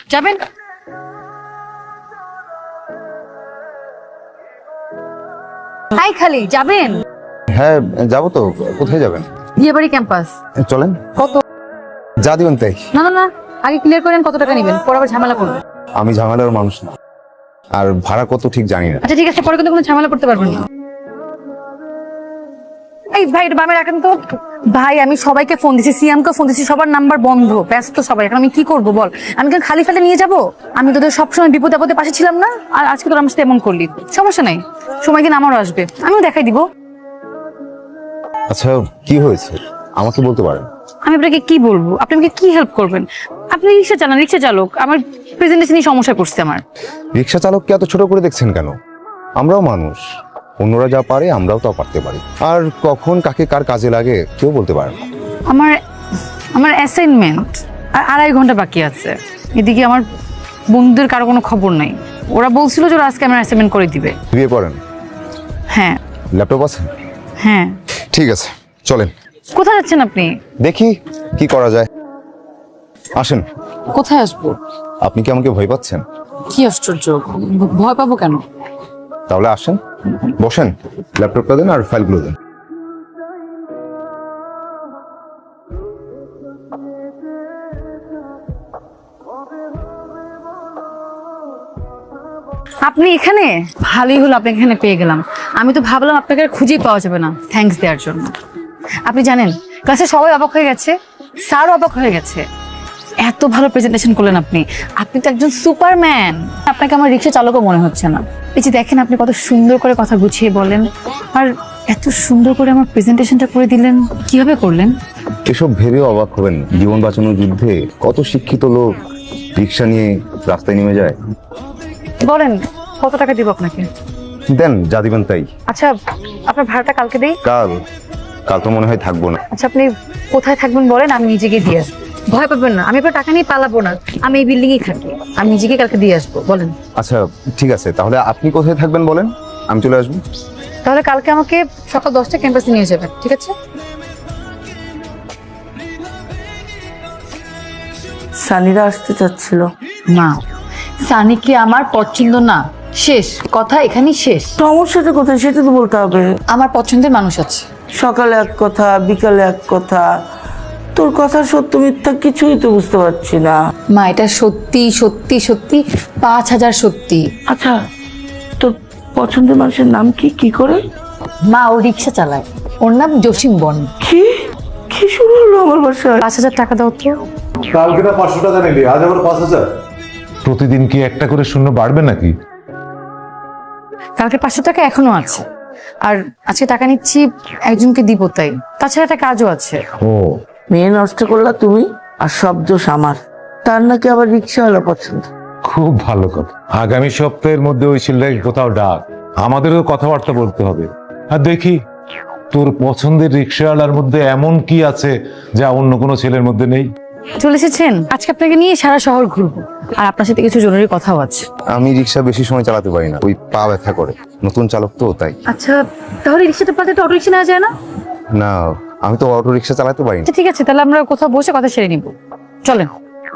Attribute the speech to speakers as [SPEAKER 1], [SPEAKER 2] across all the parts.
[SPEAKER 1] যাবেন? হাই খালি যাবেন?
[SPEAKER 2] হ্যাঁ যাবো তো। কোথায় যাবেন?
[SPEAKER 1] বিয়েবাড়ি ক্যাম্পাস।
[SPEAKER 2] চলেন।
[SPEAKER 1] কত?
[SPEAKER 2] যা দিবেন তাই।
[SPEAKER 1] না না না, আগে ক্লিয়ার করেন কত টাকা নেবেন, পরে আবার ঝামেলা করবেন।
[SPEAKER 2] আমি ঝামেলার মানুষ না, আর ভাড়া কত ঠিক জানি না।
[SPEAKER 1] আচ্ছা ঠিক আছে, পরে কিন্তু কোনো ঝামেলা করতে পারবেন না। এই ভাই এটা বামে রাখেন তো। ভাই আমি সবাইকে ফোন দিছি, সিয়ামকে ফোন দিছি, সবার নাম্বার বন্ধ, ব্যস্ত সবাই। এখন আমি কি করবো বল? আমি কেন খালি ফেলে নিয়ে যাবো? আমি তোদের সবসময় বিপদে আপদে পাশে ছিলাম না, আর আজকে তোর আমার সাথে এমন করলি। সমস্যা নাই, সময় দিন আমারও আসবে, আমিও দেখাই দিব।
[SPEAKER 2] আচ্ছা কি হয়েছে আমাকে বলতে পারেন?
[SPEAKER 1] আমি আপনাকে কি বলবো? আপনি আমাকে কি হেল্প করবেন? আপনি রিক্সা চালান, রিক্সা চালক, আমার প্রেজেন্টেশনই সমস্যা করছে আমার।
[SPEAKER 2] রিক্সা চালককে এত ছোট করে দেখছেন কেন? আমরাও মানুষ, অন্যরা যা পারে আমরাও তা পারতে পারি। আর কখন কাকে কার কাজে লাগে কেউ বলতে পারে না।
[SPEAKER 1] আমার আমার অ্যাসাইনমেন্ট আর 2.5 ঘন্টা বাকি আছে। এদিকে আমার বন্ধুদের কারো কোনো খবর নাই। ওরা বলছিল যে ওরা আজকে আমার অ্যাসাইনমেন্ট করে দিবে।
[SPEAKER 2] বিয়ে করেন?
[SPEAKER 1] হ্যাঁ।
[SPEAKER 2] ল্যাপটপ আছে?
[SPEAKER 1] হ্যাঁ।
[SPEAKER 2] ঠিক আছে চলেন।
[SPEAKER 1] কোথায় যাচ্ছেন আপনি?
[SPEAKER 2] দেখি কি করা যায়, আসেন।
[SPEAKER 1] কোথায় আসবো?
[SPEAKER 2] আপনি কি আমাকে ভয় পাচ্ছেন?
[SPEAKER 1] কি আশ্চর্য, ভয় পাবো কেন?
[SPEAKER 2] তাহলে আসেন, বসেন, ল্যাপটপটা দেন আর ফাইলগুলো দেন।
[SPEAKER 1] আপনি এখানে? ভালোই হলো আপনি এখানে পেয়ে গেলাম। আমি তো ভাবলাম আপনাকে আর খুঁজেই পাওয়া যাবে না। থ্যাঙ্কস দেওয়ার জন্য। আপনি জানেন ক্লাসে সবাই অবাক হয়ে গেছে, স্যারও অবাক হয়ে গেছে। এত ভালো প্রেজেন্টেশন করলেন আপনি। আপনি তো একজন সুপারম্যান। আপনাকে আমার রিক্সা চালকও মনে হচ্ছে না। এই যে দেখেন আপনি কত সুন্দর করে কথা গুছিয়ে বলেন, আর এত সুন্দর করে আমার প্রেজেন্টেশনটা করে দিলেন। কিভাবে করলেন?
[SPEAKER 2] এসব ভেবেও অবাক হবেন, জীবন বাঁচানোর যুদ্ধে কত শিক্ষিত লোক রিক্সা নিয়ে রাস্তায় নেমে যায়।
[SPEAKER 1] বলেন কত টাকা দিব আপনাকে?
[SPEAKER 2] দেন যা দিবেন তাই।
[SPEAKER 1] আচ্ছা আপনার ভাড়াটা কালকে দেই।
[SPEAKER 2] কাল? কাল তো মনে হয় থাকবো না।
[SPEAKER 1] আচ্ছা আপনি কোথায় থাকবেন বলেন, আমি নিজেকে দিয়ে আসবো। ভয় পাবেন না, আমি আপনার টাকা নিয়ে পালাবো না। আমি এই বিল্ডিং এ থাকি, আমি নিজেকে কালকে দিয়ে আসবো। বলেন।
[SPEAKER 2] আচ্ছা ঠিক আছে, তাহলে আপনি কোথায় থাকবেন বলেন, আমি চলে আসবো।
[SPEAKER 1] তাহলে কালকে আমাকে সকাল 10টায় ক্যাম্পাসে নিয়ে যাবেন, ঠিক আছে?
[SPEAKER 3] সানিরা আসতে চাচ্ছিল।
[SPEAKER 1] না, সানিকে আমার পছন্দ না। শেষ কথা, এখানেই শেষ।
[SPEAKER 3] সমস্যাটা কোথায় সেটা তো বলতে হবে।
[SPEAKER 1] আমার পছন্দের মানুষ আছে।
[SPEAKER 3] সকালে এক কথা, বিকালে এক কথা। তোর কথা সত্য মিথ্যা কিছুই তো বুঝতে পারছি না।
[SPEAKER 1] মা এটা সত্যি সত্যি সত্যি, 5000 সত্যি।
[SPEAKER 3] আচ্ছা তোর পছন্দের মানুষের নাম কি? কি করে?
[SPEAKER 1] মা ও রিক্সা চালায়, ওর নাম জসিম বন।
[SPEAKER 3] কি কি শুরু হলো আমার বাসায়?
[SPEAKER 1] 5000 টাকা দাও তো।
[SPEAKER 4] কালকে না 500 টাকা নিলি, আজ আবার 5000। প্রতিদিন কি একটা করে শূন্য বাড়বে নাকি?
[SPEAKER 1] কালকে 500 টাকা এখনো আছে, আর আজকে টাকা নিচ্ছি একজনকে দিব তাই। তাছাড়া একটা কাজও আছে।
[SPEAKER 4] ও
[SPEAKER 3] মেয়ে নষ্ট করলা তুমি, আর সব দোষ আমার। তার নাকি আবার রিক্সাওয়ালা পছন্দ।
[SPEAKER 4] খুব ভালো কথা। আগামী সপ্তাহের মধ্যে ওই ছেলেটাকে কোথাও ডাক, আমাদেরও কথাবার্তা বলতে হবে। আর দেখি তোর পছন্দের রিক্সাওয়ালার মধ্যে এমন কি আছে যা অন্য কোনো ছেলের মধ্যে নেই।
[SPEAKER 1] চলে এসেছেন, আজকে আপনাকে নিয়ে সারা শহর ঘুরবো, আর আপনার সাথে কিছু জরুরি কথাও আছে।
[SPEAKER 2] আমি রিক্সা বেশি সময় চালাতে পারি না, ওই পা ব্যথা করে, নতুন চালক তো তাই।
[SPEAKER 1] আচ্ছা তাহলে রিক্সাটা পাতে তো অটো রিক্সা নেওয়া যায় না?
[SPEAKER 2] না আমি তো অটো রিক্সা চালাতে পারি না।
[SPEAKER 1] আচ্ছা ঠিক আছে, তাহলে আমরা কোথাও বসে কথা সেরে নিব, চলেন।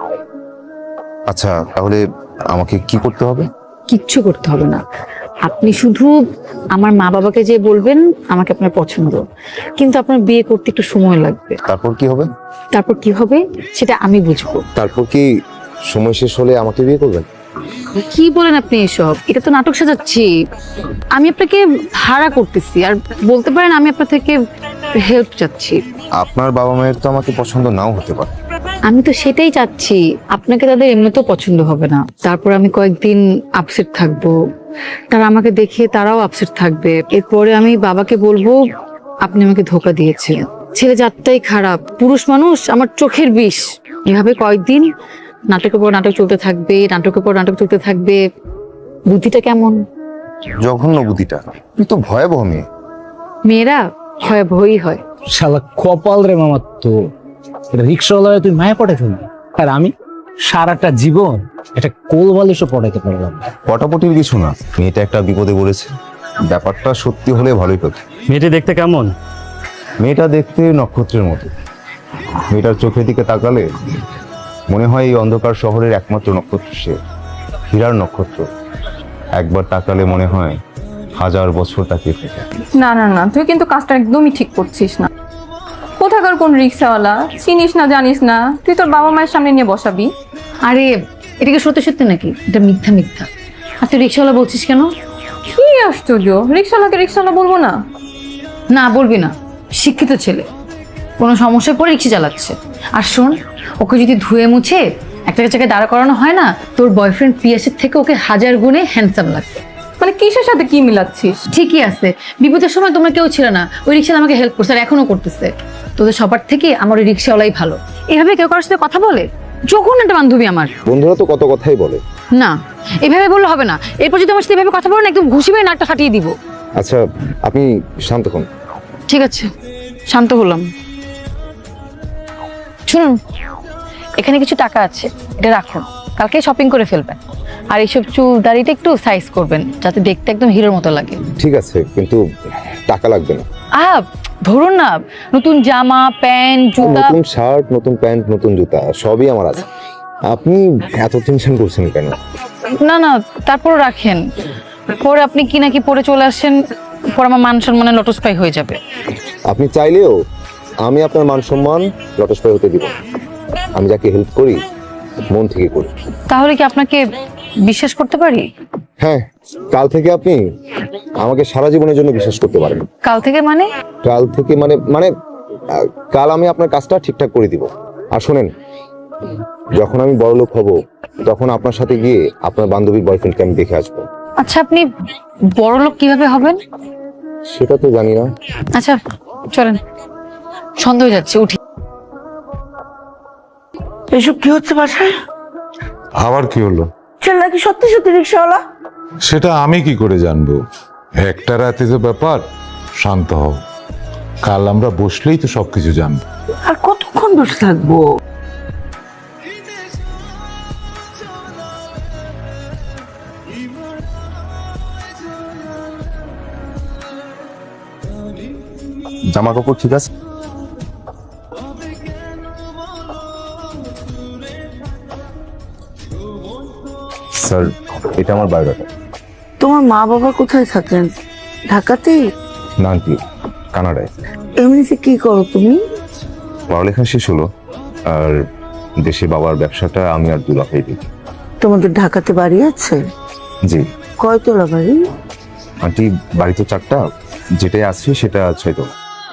[SPEAKER 2] আচ্ছা তাহলে আমাকে কি করতে হবে?
[SPEAKER 1] কিচ্ছু করতে হবে না, আপনি শুধু আমার মা বাবাকে যে বলবেন আমাকে আপনার পছন্দ, কিন্তু আপনার বিয়ে করতে একটু সময় লাগবে।
[SPEAKER 2] তারপর কি হবে?
[SPEAKER 1] তারপর কি হবে সেটা আমি বুঝবো।
[SPEAKER 2] তারপর কি সময় শেষ হলে আমাকে বিয়ে করবেন?
[SPEAKER 1] কি বলেন আপনি এসব? এটা তো নাটক সাজাচ্ছি। আমি আপনাকে ভাড়া করতেছি, আর বলতে পারেন আমি আপনার থেকে হেল্প চাচ্ছি।
[SPEAKER 2] আপনার বাবা মায়ের তো আমাকে পছন্দ নাও হতে পারে।
[SPEAKER 1] আমি তো সেটাই চাচ্ছি, আপনাকে তাদের এমনিতেও পছন্দ হবে না। তারপর আমি কয়েকদিন আপসেট থাকবো, তারা আমাকে দেখে তারাও আপসেট থাকবে। এরপরে আমি বাবাকে বলবো আপনি আমাকে ধোকা দিয়েছেন, ছেলে জাতটাই খারাপ, পুরুষ মানুষ আমার চোখের বিষ। এভাবে কয়েকদিন নাটকের পর নাটক চলতে থাকবে, নাটকের পর নাটক চলতে থাকবে। বুদ্ধিটা কেমন?
[SPEAKER 2] জঘন্য বুদ্ধিটা, তুই তো ভয়াবহ মেয়ে।
[SPEAKER 1] মেয়েরা ভয়াবহই হয়।
[SPEAKER 5] শালা কপাল রে মামার, তো এটা রিক্সাওয়ালা তুই মায়া পড়ে ফেলবি, আর আমি সারাটা জীবন এটা কোল বালিশও পড়াইতে পারলাম না।
[SPEAKER 2] পটাপটির কিছু না, মেয়েটা একটা বিপদে পড়েছে। ব্যাপারটা সত্যি হলে ভালোই হতো।
[SPEAKER 6] মেয়েটি দেখতে কেমন?
[SPEAKER 2] মেয়েটা দেখতে নক্ষত্রের মতো। মেয়েটার চোখের দিকে তাকালে মনে হয় এই অন্ধকার শহরের একমাত্র নক্ষত্র সে, হীরার নক্ষত্র। একবার তাকালে মনে হয় 1000 বছর তাকিয়ে থাকে।
[SPEAKER 6] না না না, তুই কিন্তু কাজটা একদমই ঠিক করছিস না। কোথাকার কোন রিক্সাওয়ালা, চিনিস না জানিস না, তুই তোর বাবা মায়ের সামনে নিয়ে বসাবি?
[SPEAKER 1] আরে এটা কি সত্যি সত্যি নাকি? এটা মিথ্যা মিথ্যা। আর তুই রিক্সাওয়ালা বলছিস কেন?
[SPEAKER 6] কি আশ্চর্য, রিক্সাওয়ালাকে রিক্সাওয়ালা বলবো না?
[SPEAKER 1] না বলবি না, শিক্ষিত ছেলে, কোনো সমস্যায় পড়ে রিক্সা চালাচ্ছে। আর শোন, ওকে যদি ধুয়ে মুছে একটা জায়গায় দাঁড়া করানো হয় না, তোর বয়ফ্রেন্ড পিয়াসের থেকে ওকে 1000 গুণে হ্যান্ডসাম লাগবে।
[SPEAKER 6] মানে কিসের সাথে কি মিলাচ্ছিস?
[SPEAKER 1] ঠিকই আছে, বিপদের সময় তোমরা কেউ ছিল না, ওই রিক্সাওয়ালা আমাকে হেল্প করছে আর এখনো করতেছে। তোদের সবার থেকে আমার ওই রিক্সাওয়ালাই ভালো। এভাবে কেউ কারোর সাথে কথা বলে? যখন একটা বান্ধবী আমার।
[SPEAKER 2] বন্ধুরা তো কত কথাই বলে।
[SPEAKER 1] না, এভাবে বললে হবে না। এরপর যদি আমার সাথে এভাবে কথা বলো না, একদম ঘুষি মেরে নাকটা ফাটিয়ে দিব।
[SPEAKER 2] আচ্ছা, আপনি শান্ত হন।
[SPEAKER 1] ঠিক আছে, শান্ত হলাম। শুনুন, এখানে কিছু টাকা আছে, এটা রাখুন, কালকে শপিং করে ফেলবেন। আর এইসব চুল দাড়িটা একটু সাইজ করবেন, যাতে দেখতে একদম হিরোর মতো লাগে।
[SPEAKER 2] ঠিক আছে, কিন্তু টাকা লাগবে না।
[SPEAKER 1] ধরুন না, নতুন জামা প্যান্ট জুতা।
[SPEAKER 2] নতুন শার্ট, নতুন প্যান্ট, নতুন জুতা সবই আমার আছে। আপনি এত টেনশন করছেন কেন?
[SPEAKER 1] না না, তারপর রাখেন, পরে আপনি কি নাকি পরে চলে আসেন, পরে আমার মান সম্মানে লটস্পাই হয়ে যাবে।
[SPEAKER 2] আপনি চাইলেও আমি আপনার মান সম্মান লটস্পাই হতে দিব না। আমি যাকে হেল্প করি মন থেকে করি।
[SPEAKER 1] তাহলে কি আপনাকে বিশ্বাস করতে পারি?
[SPEAKER 2] হ্যাঁ, কাল থেকে আপনি আমাকে সারা জীবনের জন্য বিশ্বাস করতে পারেন।
[SPEAKER 1] কাল থেকে মানে?
[SPEAKER 2] কাল থেকে মানে মানে কাল আমি আপনার কাজটা ঠিকঠাক করে দিব। আর শোনেন, যখন আমি বড়লোক হব তখন আপনার সাথে গিয়ে আপনার বান্ধবীর বয়ফ্রেন্ডকে আমি দেখে আসবো।
[SPEAKER 1] আচ্ছা, আপনি বড়লোক কিভাবে হবেন?
[SPEAKER 2] সেটা তো জানি না।
[SPEAKER 1] আচ্ছা চলেন, সন্দেহ হয়ে যাচ্ছে, উঠি।
[SPEAKER 3] এসব কি হচ্ছে বাসায়?
[SPEAKER 4] আবার কি হলো?
[SPEAKER 3] ছেলে নাকি সত্যি সত্যি রিক্সাওয়ালা?
[SPEAKER 4] সেটা আমি কি করে জানবো? একটা রাতে যে ব্যাপার, শান্ত হও, কাল আমরা বসলেই তো সবকিছু জানবো।
[SPEAKER 3] আর কতক্ষণ বসে থাকবো?
[SPEAKER 2] জামা কাপড় ঠিক আছে? স্যার, এটা আমার বায়োডাটা।
[SPEAKER 3] তোমার মা বাবা কোথায় থাকেন? ঢাকাতেই?
[SPEAKER 2] না আন্টি, কানাডায়।
[SPEAKER 3] এমনিতে কি করো তুমি?
[SPEAKER 2] পড়ালেখা শেষ হলো, আর দেশে বাবার ব্যবসাটা আমি আর দুলাভাই দেখি।
[SPEAKER 3] তোমাদের ঢাকাতে বাড়ি আছে?
[SPEAKER 2] জি
[SPEAKER 3] কয়তলা বাড়ি?
[SPEAKER 2] আন্টি, বাড়ি তো 4টা, যেটাই আছে সেটা 6তলা।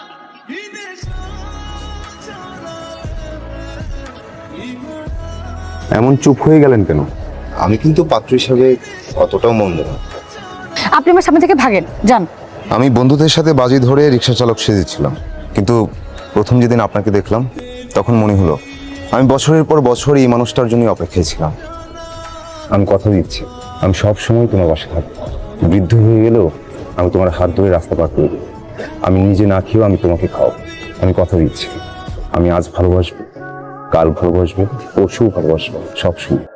[SPEAKER 2] এমন চুপ হয়ে গেলেন কেন? আমি কিন্তু পাত্র হিসাবে অতটাও মন্দ না।
[SPEAKER 1] আপনি আমার সামনে থেকে ভাগেন, যান।
[SPEAKER 2] আমি বন্ধুদের সাথে বাজি ধরে রিক্সা চালক সেজেছিলাম, কিন্তু প্রথম যেদিন আপনাকে দেখলাম তখন মনে হলো আমি বছরের পর বছর এই মানুষটার জন্য অপেক্ষায় ছিলাম। আমি কথা দিচ্ছি, আমি সব সময় তোমার পাশে থাকবো। বৃদ্ধ হয়ে গেলেও আমি তোমার হাত ধরে রাস্তা পার করে দেবো। আমি নিজে না খেয়েও আমি তোমাকে খাওয়াবো। আমি কথা দিচ্ছি, আমি আজ ভালোবাসবো, কাল ভালোবাসবো, পরশু ভালোবাসবো, সব সময়।